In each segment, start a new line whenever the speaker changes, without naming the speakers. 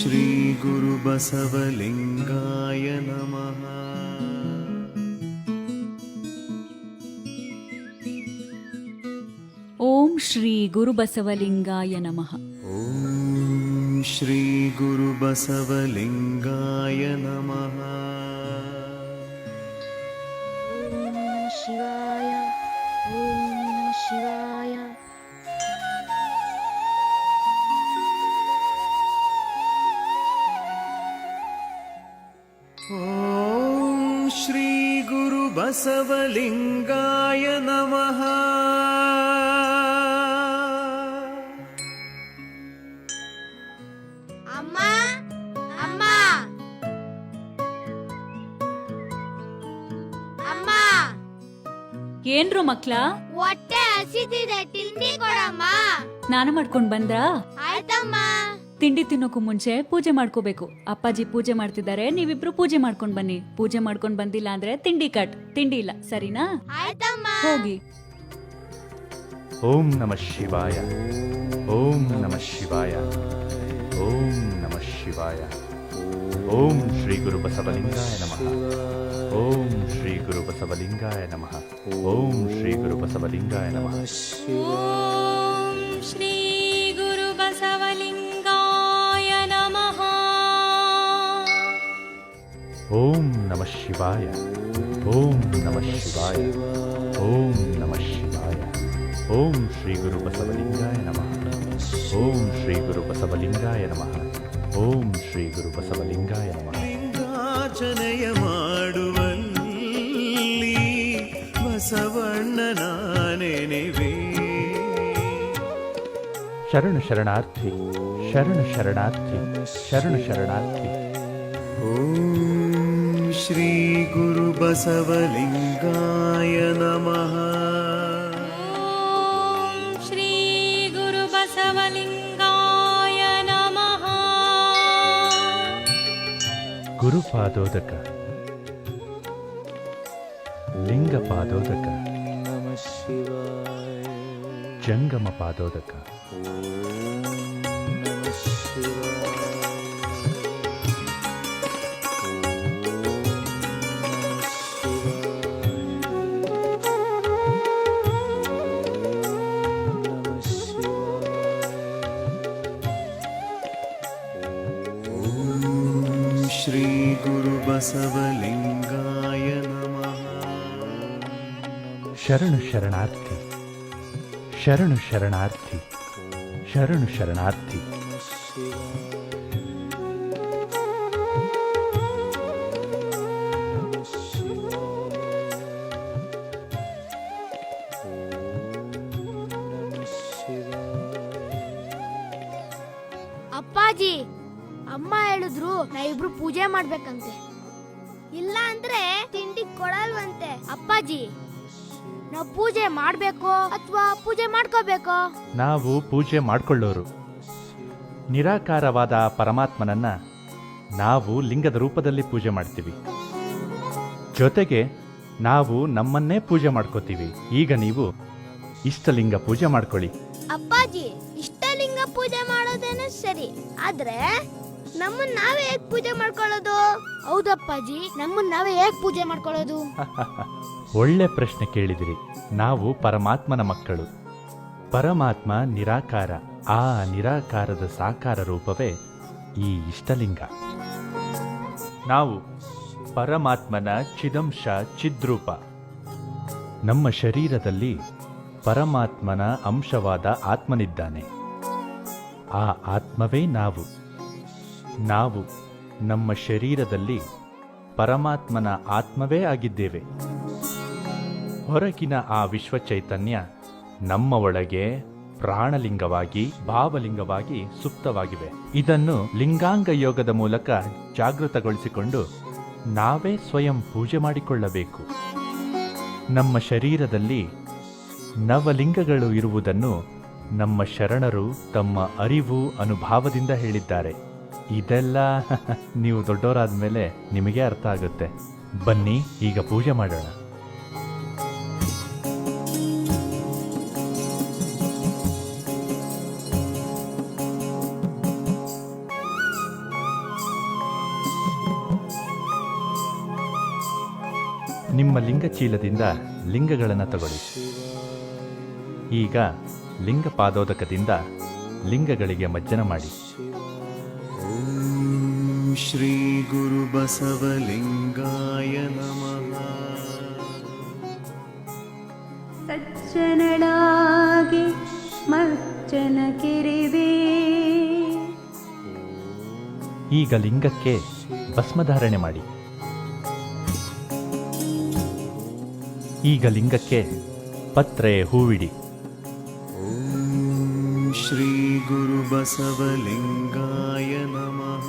ಶ್ರೀ ಗುರು ಬಸವಲಿಂಗಾಯ ನಮಃ.
ಓಂ ಶ್ರೀ ಗುರು ಬಸವಲಿಂಗಾಯ ನಮಃ.
ಓಂ ಶ್ರೀ ಗುರು ಬಸವಲಿಂಗಾಯ ನಮಃ.
ಶಿವಾಯ ಓಂ ಶಿವಾಯ.
ಓಂ ಶ್ರೀ ಗುರು ಬಸವಲಿಂಗಾಯ ನಮಃ.
ಅಮ್ಮ ಅಮ್ಮ ಅಮ್ಮ,
ಏನ್ರು ಮಕ್ಳ,
ಹೊಟ್ಟೆ ಹಸಿದಿದೆ, ತಿಂಡಿ ಕೊಡಮ್ಮ.
ಸ್ನಾನ ಮಾಡ್ಕೊಂಡ್ ಬಂದ್ರಾ?
ಆಯ್ತಮ್ಮ.
ತಿಂಡಿ ತಿನ್ನೋಕು ಮುಂಚೆ ಪೂಜೆ ಮಾಡ್ಕೋಬೇಕು. ಅಪ್ಪಾಜಿ ಪೂಜೆ ಮಾಡ್ತಿದ್ದಾರೆ, ನೀವಿಬ್ರು ಪೂಜೆ ಮಾಡ್ಕೊಂಡ್ ಬನ್ನಿ. ಪೂಜೆ ಮಾಡ್ಕೊಂಡ್ ಬಂದಿಲ್ಲ ಅಂದ್ರೆ ತಿಂಡಿ ಕಟ್. ತಿಂಡಿ ಇಲ್ಲ, ಸರಿನಾ?
ಆಯ್ತಮ್ಮ.
ಹೋಗಿ.
ಓಂ ನಮಃ ಶಿವಾಯ. ಓಂ ನಮಃ ಶಿವಾಯ. ಓಂ ನಮಃ ಶಿವಾಯ. ಓಂ ಶ್ರೀ ಗುರು ಬಸವಲಿಂಗಾಯ ನಮಃ. ಓಂ ಶ್ರೀ ಗುರು ಬಸವಲಿಂಗಾಯ ನಮಃ. ಓಂ ಶ್ರೀ ಗುರು ಬಸವಲಿಂಗಾಯ ನಮಃ.
ಓಂ ಶ್ರೀ ಗುರು ಬಸವಲಿಂಗಾಯ ನಮಃ.
ಓಂ ನಮಃ ಶಿವಾಯ. ಓಂ ನಮಃ ಶಿವಾಯ. ಓಂ ನಮಃ ಶಿವಾಯ. ಓಂ ಶ್ರೀ ಗುರು ಬಸವಲಿಂಗಾಯ ನಮಃ. ಓಂ ಶ್ರೀ ಗುರು ಬಸವಲಿಂಗಾಯ ನಮಃ. ಓಂ ಶ್ರೀ ಗುರು ಬಸವಲಿಂಗಾಯ ನಮಃ.
ಲಿಂಗಾರ್ಚನೆಯ ಮಾಡುವಲ್ಲಿ ಬಸವಣ್ಣನ ನೆನೆವೆ.
ಶರಣು ಶರಣಾರ್ಥಿ, ಶರಣು ಶರಣಾರ್ಥಿ, ಶರಣು ಶರಣಾರ್ಥಿ.
ಓಂ ಶ್ರೀ ಗುರು ಬಸವಲಿಂಗಾಯ ನಮಃ.
ಓಂ ಶ್ರೀ ಗುರು ಬಸವಲಿಂಗಾಯ ನಮಃ.
ಗುರುಪಾದೋದಕ, ಲಿಂಗ ಪಾದೋದಕ, ಜಂಗಮ ಪಾದೋದಕ.
ಶ್ರೀ ಗುರು ಬಸವಲಿಂಗಾಯ ನಮಃ.
ಶರಣು ಶರಣಾರ್ಥಿ, ಶರಣು ಶರಣಾರ್ಥಿ, ಶರಣು ಶರಣಾರ್ಥಿ.
ಅಪ್ಪಾಜಿ, ಅಮ್ಮ ಹೇಳಿದ್ರು ನಾವಿಬ್ರು ಪೂಜೆ ಮಾಡ್ಬೇಕಂತೆ. ಇಲ್ಲ ಅಂದ್ರೆ ತಿಂಡಿ ಕೊಡಲ್ವಂತೆ. ಅಪ್ಪಾಜಿ, ನಾವು ಪೂಜೆ ಮಾಡ್ಬೇಕೋ ಅಥವಾ ಪೂಜೆ ಮಾಡ್ಕೋಬೇಕೋ?
ನಾವು ಪೂಜೆ ಮಾಡಿಕೊಳ್ಳೋರು. ನಿರಾಕಾರವಾದ ಪರಮಾತ್ಮನನ್ನ ನಾವು ಲಿಂಗದ ರೂಪದಲ್ಲಿ ಪೂಜೆ ಮಾಡ್ತೀವಿ. ಜೊತೆಗೆ ನಾವು ನಮ್ಮನ್ನೇ ಪೂಜೆ ಮಾಡ್ಕೋತೀವಿ. ಈಗ ನೀವು ಇಷ್ಟಲಿಂಗ ಪೂಜೆ ಮಾಡ್ಕೊಳ್ಳಿ.
ಅಪ್ಪಾಜಿ, ಇಷ್ಟಲಿಂಗ ಪೂಜೆ ಮಾಡೋದೇನೆ ಸರಿ, ಆದ್ರೆ ನಮ್ಮನ್ನ ನಾವೇ ಹೇಗ್ ಪೂಜೆ ಮಾಡ್ಕೊಳ್ಳೋದು? ಹೌದಪ್ಪಾಜಿ, ನಮ್ಮನ್ನ ನಾವೇ ಹೇಗ್ ಪೂಜೆ ಮಾಡ್ಕೊಳ್ಳೋದು?
ಒಳ್ಳೆ ಪ್ರಶ್ನೆ ಕೇಳಿದಿರಿ. ನಾವು ಪರಮಾತ್ಮನ ಮಕ್ಕಳು. ಪರಮಾತ್ಮ ನಿರಾಕಾರ. ಆ ನಿರಾಕಾರದ ಸಾಕಾರ ರೂಪವೇ ಈ ಇಷ್ಟಲಿಂಗ. ನಾವು ಪರಮಾತ್ಮನ ಚಿದಂಶ, ಚಿದ್ರೂಪ. ನಮ್ಮ ಶರೀರದಲ್ಲಿ ಪರಮಾತ್ಮನ ಅಂಶವಾದ ಆತ್ಮನಿದ್ದಾನೆ. ಆ ಆತ್ಮವೇ ನಾವು. ನಾವು ನಮ್ಮ ಶರೀರದಲ್ಲಿ ಪರಮಾತ್ಮನ ಆತ್ಮವೇ ಆಗಿದ್ದೇವೆ. ಹೊರಗಿನ ಆ ವಿಶ್ವ ಚೈತನ್ಯ ನಮ್ಮ ಒಳಗೆ ಪ್ರಾಣಲಿಂಗವಾಗಿ, ಭಾವಲಿಂಗವಾಗಿ ಸುಪ್ತವಾಗಿವೆ. ಇದನ್ನು ಲಿಂಗಾಂಗ ಯೋಗದ ಮೂಲಕ ಜಾಗೃತಗೊಳಿಸಿಕೊಂಡು ನಾವೇ ಸ್ವಯಂ ಪೂಜೆ ಮಾಡಿಕೊಳ್ಳಬೇಕು. ನಮ್ಮ ಶರೀರದಲ್ಲಿ ನವಲಿಂಗಗಳು ಇರುವುದನ್ನು ನಮ್ಮ ಶರಣರು ತಮ್ಮ ಅರಿವು, ಅನುಭವದಿಂದ ಹೇಳಿದ್ದಾರೆ. ಇದೆಲ್ಲ ನೀವು ದೊಡ್ಡವರಾದ ಮೇಲೆ ನಿಮಗೆ ಅರ್ಥ ಆಗುತ್ತೆ. ಬನ್ನಿ, ಈಗ ಪೂಜೆ ಮಾಡೋಣ. ನಿಮ್ಮ ಲಿಂಗಚೀಲದಿಂದ ಲಿಂಗಗಳನ್ನು ತಗೊಳ್ಳಿ. ಈಗ ಲಿಂಗ ಪಾದೋದಕದಿಂದ ಲಿಂಗಗಳಿಗೆ ಮಜ್ಜನ ಮಾಡಿ.
ಓಂ ಶ್ರೀ ಗುರು ಬಸವಲಿಂಗಾಯ ನಮಃ.
ಸಜ್ಜನಳಾಗಿ ಮಜ್ಜನ ಕೆರೆವೆ.
ಈಗ ಲಿಂಗಕ್ಕೆ ಭಸ್ಮಧಾರಣೆ ಮಾಡಿ. ಈಗ ಲಿಂಗಕ್ಕೆ ಪತ್ರೆ ಹೂವಿಡಿ.
ಓಂ ಶ್ರೀ ಗುರು ಬಸವಲಿಂಗಾಯ ನಮಃ.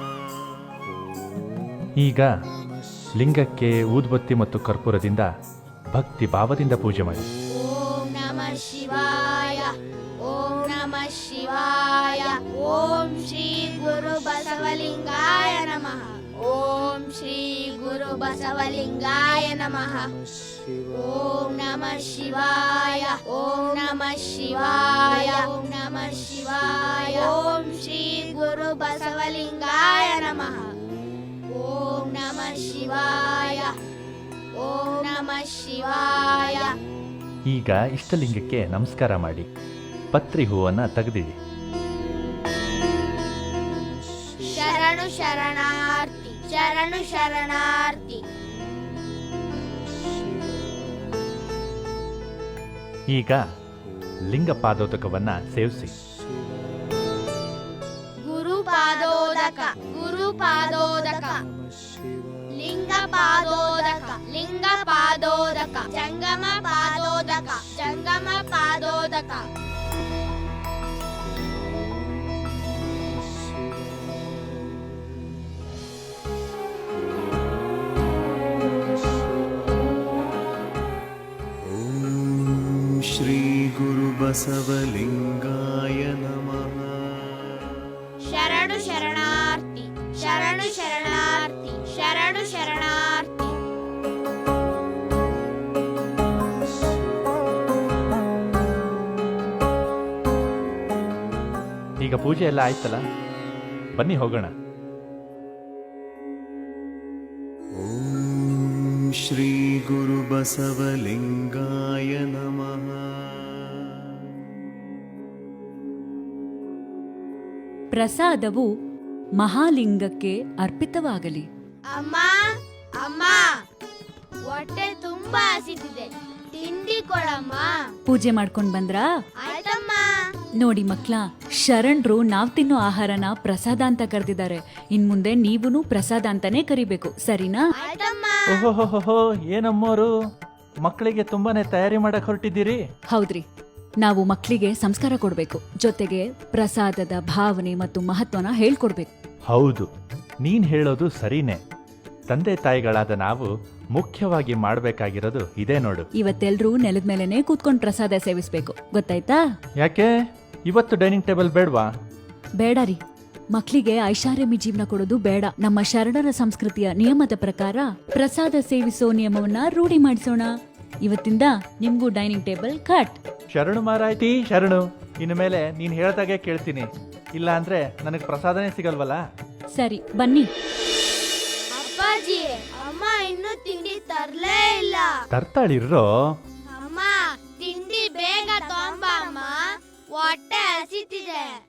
ಈಗ ಲಿಂಗಕ್ಕೆ ಊದ್ಬತ್ತಿ ಮತ್ತು ಕರ್ಪೂರದಿಂದ ಭಕ್ತಿ ಭಾವದಿಂದ ಪೂಜೆ ಮಾಡಿ.
ಓಂ ನಮಃ ಶಿವಾಯ, ಓಂ ನಮಃ ಶಿವಾಯ. ಓಂ ಶ್ರೀ ಗುರು ಬಸವಲಿಂಗಾಯ ನಮಃ. ಓಂ ಶ್ರೀ ಗುರು ಬಸವಲಿಂಗಾಯ ನಮಃ. ಓಂ ನಮಃ ಶಿವಾಯ, ಓಂ ನಮಃ ಶಿವಾಯ. ಓಂ ನಮಃ ಶಿವಾಯ. ಓಂ ಶ್ರೀ ಗುರು ಬಸವಲಿಂಗಾಯ ನಮಃ. ಓಂ ನಮಃ ಶಿವಾಯ, ಓಂ ನಮಃ ಶಿವಾಯ.
ಈಗ ಇಷ್ಟಲಿಂಗಕ್ಕೆ ನಮಸ್ಕಾರ ಮಾಡಿ ಪತ್ರಿ ಹೂವನ್ನು ತೆಗೆದಿಡಿ.
ಶರಣು ಶರಣಾರ್ಥಿ, ಶರಣು ಶರಣಾರ್ಥಿ.
ಈಗ ಲಿಂಗ ಪಾದೋದಕವನ್ನು ಸೇವಿಸಿ.
ಗುರು ಪಾದೋದಕ, ಗುರು ಪಾದೋದಕ. ಲಿಂಗ ಪಾದೋದಕ, ಲಿಂಗ ಪಾದೋದಕ. ಜಂಗಮ ಪಾದೋದಕ, ಜಂಗಮ ಪಾದೋದಕ.
ಓಂ ಶ್ರೀ ಗುರು ಬಸವಲಿಂಗಾಯ ನಮಃ.
ಶರಣು ಶರಣಾರ್ಥಿ, ಶರಣು ಶರಣಾರ್ಥಿ, ಶರಣು ಶರಣಾರ್ಥಿ.
ಈಗ ಪೂಜೆ ಎಲ್ಲ ಆಯ್ತಲ್ಲ, ಬನ್ನಿ ಹೋಗೋಣ.
ಓಂ ಶ್ರೀ ಗುರು ಬಸವಲಿಂಗಾಯ ನಮಃ.
ಪ್ರಸಾದವು ಮಹಾಲಿಂಗಕ್ಕೆ ಅರ್ಪಿತವಾಗಲಿ.
ಅಮ್ಮ, ಅಮ್ಮ, ಹೊಟ್ಟೆ ತುಂಬಾ ಹಸಿತಿದೆ, ತಿಂಡಿ ಕೊಡಮ್ಮ.
ಪೂಜೆ ಮಾಡ್ಕೊಂಡ್ ಬಂದ್ರಾ?
ಆಯ್ತಮ್ಮ.
ನೋಡಿ ಮಕ್ಳ, ಶರಣರು ನಾವ್ ತಿನ್ನೋ ಆಹಾರನ ಪ್ರಸಾದ ಅಂತ ಕರೆದಿದ್ದಾರೆ. ಇನ್ ಮುಂದೆ ನೀವುನು ಪ್ರಸಾದ ಅಂತಾನೆ ಕರಿಬೇಕು, ಸರಿನಾ?
ಆಯ್ತಮ್ಮ.
ಓಹೋಹೋಹೋ, ಏನಮ್ಮೋರು ಮಕ್ಕಳಿಗೆ ತುಂಬಾನೇ ತಯಾರಿ ಮಾಡಕ್ ಹೊರಟಿದ್ದೀರಿ.
ಹೌದ್ರಿ, ನಾವು ಮಕ್ಕಳಿಗೆ ಸಂಸ್ಕಾರ ಕೊಡ್ಬೇಕು, ಜೊತೆಗೆ ಪ್ರಸಾದದ ಭಾವನೆ ಮತ್ತು ಮಹತ್ವನ ಹೇಳ್ಕೊಡ್ಬೇಕು.
ಹೌದು, ನೀನ್ ಹೇಳೋದು ಸರಿನೇ. ತಂದೆ ತಾಯಿಗಳಾದ ನಾವು ಮುಖ್ಯವಾಗಿ ಮಾಡಬೇಕಾಗಿರೋದು ಇದೇ ನೋಡು.
ಇವತ್ತೆಲ್ರೂ ನೆಲದ ಮೇಲೆನೆ ಕೂತ್ಕೊಂಡ್ ಪ್ರಸಾದ ಸೇವಿಸ್ಬೇಕು, ಗೊತ್ತಾಯ್ತಾ?
ಯಾಕೆ ಇವತ್ತು ಡೈನಿಂಗ್ ಟೇಬಲ್ ಬೇಡವಾ?
ಬೇಡ ರೀ, ಮಕ್ಕಳಿಗೆ ಐಷಾರಾಮಿ ಜೀವನ ಕೊಡೋದು ಬೇಡ. ನಮ್ಮ ಶರಣರ ಸಂಸ್ಕೃತಿಯ ನಿಯಮದ ಪ್ರಕಾರ ಪ್ರಸಾದ ಸೇವಿಸೋ ನಿಯಮವನ್ನ ರೂಢಿ ಮಾಡಿಸೋಣ. ಇವತ್ತಿಂದ ನಿಮ್ಗೂ ಡೈನಿಂಗ್ ಟೇಬಲ್ ಕಟ್.
ಶರಣು ಮಾರಾಯ್ತಿ, ಶರಣು. ಇನ್ನು ಮೇಲೆ ನೀನ್ ಹೇಳ್ದಾಗೆ ಕೇಳ್ತೀನಿ, ಇಲ್ಲ ಅಂದ್ರೆ ನನಗ್ ಪ್ರಸಾದನೇ ಸಿಗಲ್ವಲ್ಲ.
ಸರಿ, ಬನ್ನಿ.
ಅಪ್ಪಾಜಿ, ಅಮ್ಮ ಇನ್ನೂ ತಿಂಡಿ ತರ್ಲೇ ಇಲ್ಲ.
ತರ್ತಾಳಿರೋ.
ಅಮ್ಮ, ತಿಂಡಿ ಬೇಗ ತೊಂಬ ಅಮ್ಮ, ಹೊಟ್ಟೆ ಹಸಿತಿದೆ.